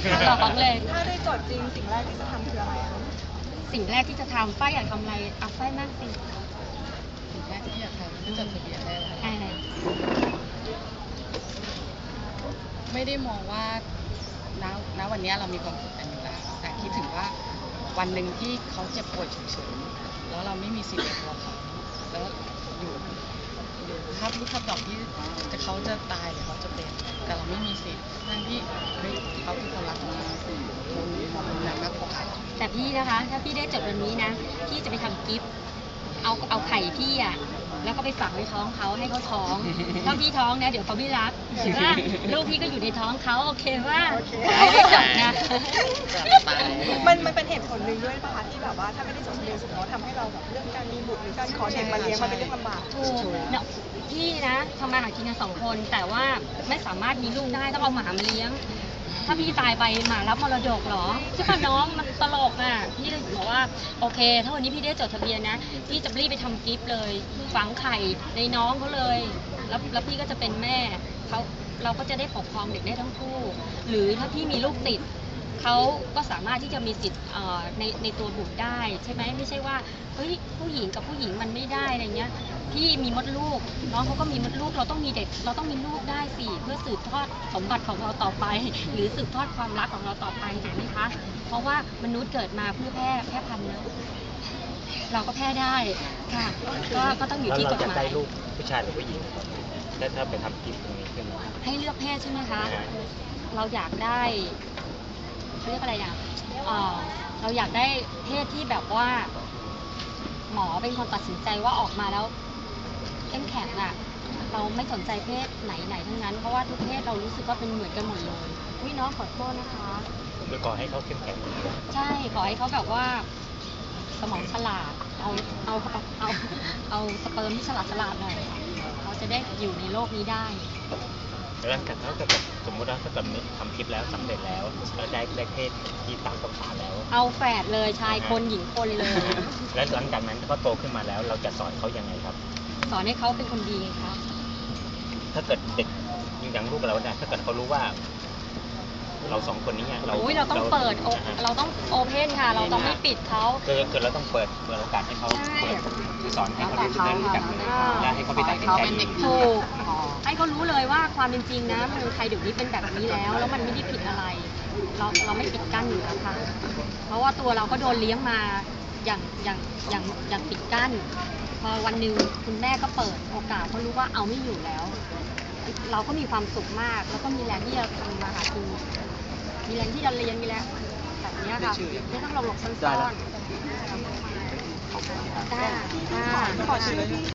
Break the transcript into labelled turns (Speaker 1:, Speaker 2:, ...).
Speaker 1: บอกเขาเลย
Speaker 2: ถ้าได้จดจริงสิ่งแรกที่จะทำคืออะไรคะ
Speaker 1: สิ่งแรกที่จะทำฝ้ายอยากทำอะไรเอาฝ้ายมากสิ
Speaker 3: สิ่งแรกที่อยากทำคือจดทะเบียนได้ไม่ได้มองว่าณวันนี้เรามีความสุขกันอยู่แล้วแต่คิดถึงว่าวันหนึ่งที่เขาเจ็บป่วยฉุกเฉินแล้วเราไม่มีสิทธิ์ในตัวเขาแล้วอยู่ครับลูกครับดอกที่เขาจะตายหรือเขาจะเป็นแต่เราไม่มีสิทธิ์ทั้งที่เขาคือคนรักเราคนรักมากกว่า
Speaker 1: แต่พี่นะคะถ้าพี่ได้จดวันนี้นะพี่จะไปทำกิฟต์เอาไข่พี่อ่ะแล้วก็ไปฝังในท้องเขาให้เขาท้องถ้าพี่ท้องนะเดี๋ยวเขาไม่รักถือว่าลูกพี่ก็อยู่ในท้องเขาโอเคว่าได้จดนะ
Speaker 2: มันเป็นเหตุผลหนึ่งด้วยป่ะคะที่แบบว่าถ้าไม่ได้จดทะเบียนสมรสทำให้เราแบบเรื่องการมีบุตรหรือการขอเด็กมาเลี้ยงมันเป็นเรื่องลำบาก
Speaker 1: ถูกพี่นะทำมาหากินกัน2 คนแต่ว่าไม่สามารถมีลูกได้ต้องเอาหมามาเลี้ยงถ้าพี่ตายไปหมารับมรดกเหรอใช่ป่ะน้องมันตลกอ่ะพี่เลยบอกว่าโอเคถ้าวันนี้พี่ได้จดทะเบียนนะพี่จะรีบไปทำกิฟต์เลยฝังไข่ในน้องเขาเลยแล้วพี่ก็จะเป็นแม่เราก็จะได้ปกครองเด็กได้ทั้งคู่หรือถ้าพี่มีลูกติดเขาก็สามารถที่จะมีสิทธิ์ในตัวบุตรได้ใช่ไหมไม่ใช่ว่าเฮ้ยผู้หญิงกับผู้หญิงมันไม่ได้อะไรเงี้ยพี่มีมดลูกน้องเขาก็มีมดลูกเราต้องมีเด็กเราต้องมีลูกได้สิเพื่อสืบทอดสมบัติของเราต่อไปหรือสืบทอดความรักของเราต่อไปถูกไหมคะเพราะว่ามนุษย์เกิดมาเพื่อแพร่พันธุ์นะเราก็แพร่ได้ค่ะก็ต้องอยู่ที่กฎหมาย
Speaker 4: ได้ลูกผู้ชายหรือผู้หญิงถ้าไปทำกิฟต์ตรงนี้ขึ้นมา
Speaker 1: ให้เลือกเพศใช่ไหมคะเราอยากได้เขาเรียกอะไรอ่ะเราอยากได้เพศที่แบบว่าหมอเป็นคนตัดสินใจว่าออกมาแล้วเข้มแข็งอ่ะเราไม่สนใจเพศไหนทั้งนั้นเพราะว่าทุกเพศเรารู้สึกว่าเป็นเหมือนกันหมดเลยพี่น้องขอโทษนะคะ
Speaker 4: ผมไปขอให้เขาเข้มแข็ง
Speaker 1: ใช่ขอให้เขาแบบว่าสมองฉลาดเอาสเปิร์มที่ฉลาดหน่อยเขาจะได้อยู่ในโลกนี้ได้
Speaker 4: แล้วถ้าเกิดสมมติว่าถ้าเกิดทำคลิปแล้วสำเร็จแล้วได้เพศที่ตามต้องการแล้ว
Speaker 1: เอาแฝดเลยชายคนหญิงคนเลย
Speaker 4: แล้วหลังจากนั้นเขาโตขึ้นมาแล้วเราจะสอนเขายังไงครับ
Speaker 1: สอนให้เขาเป็นคนดีครับ
Speaker 4: ถ้าเกิดเด็กอย่างลูกเราเนี่ยถ้าเกิดเขารู้ว่าเรา2 คนนี้
Speaker 1: เราต้องเปิดเราต้องโอเพนค่ะเราต้องไม่ปิดเขา
Speaker 4: คือเราต้องเปิดโอกาสให้เขาคือสอนให้เขาได้รู้จักและให้เขาไปตัดสินใจ
Speaker 1: ถูกให้เขารู้เลยว่าความเป็นจริงนะเมืองไทยเดี๋ยวนี้เป็นแบบนี้แล้วมันไม่ได้ผิดอะไรเราไม่ปิดกั้นอยู่แล้วค่ะเพราะว่าตัวเราก็โดนเลี้ยงมาอย่างปิดกั้นพอวันหนึ่งคุณแม่ก็เปิดโอกาสเขารู้ว่าเอาไม่อยู่แล้วเราก็มีความสุขมากแล้วก็มีแรงที่จะทำมาหากินมีแรงที่จะเรียนมีแรงแบบนี้ค่ะไม่ต้องหลบซ่อนๆได้ขอชื่อ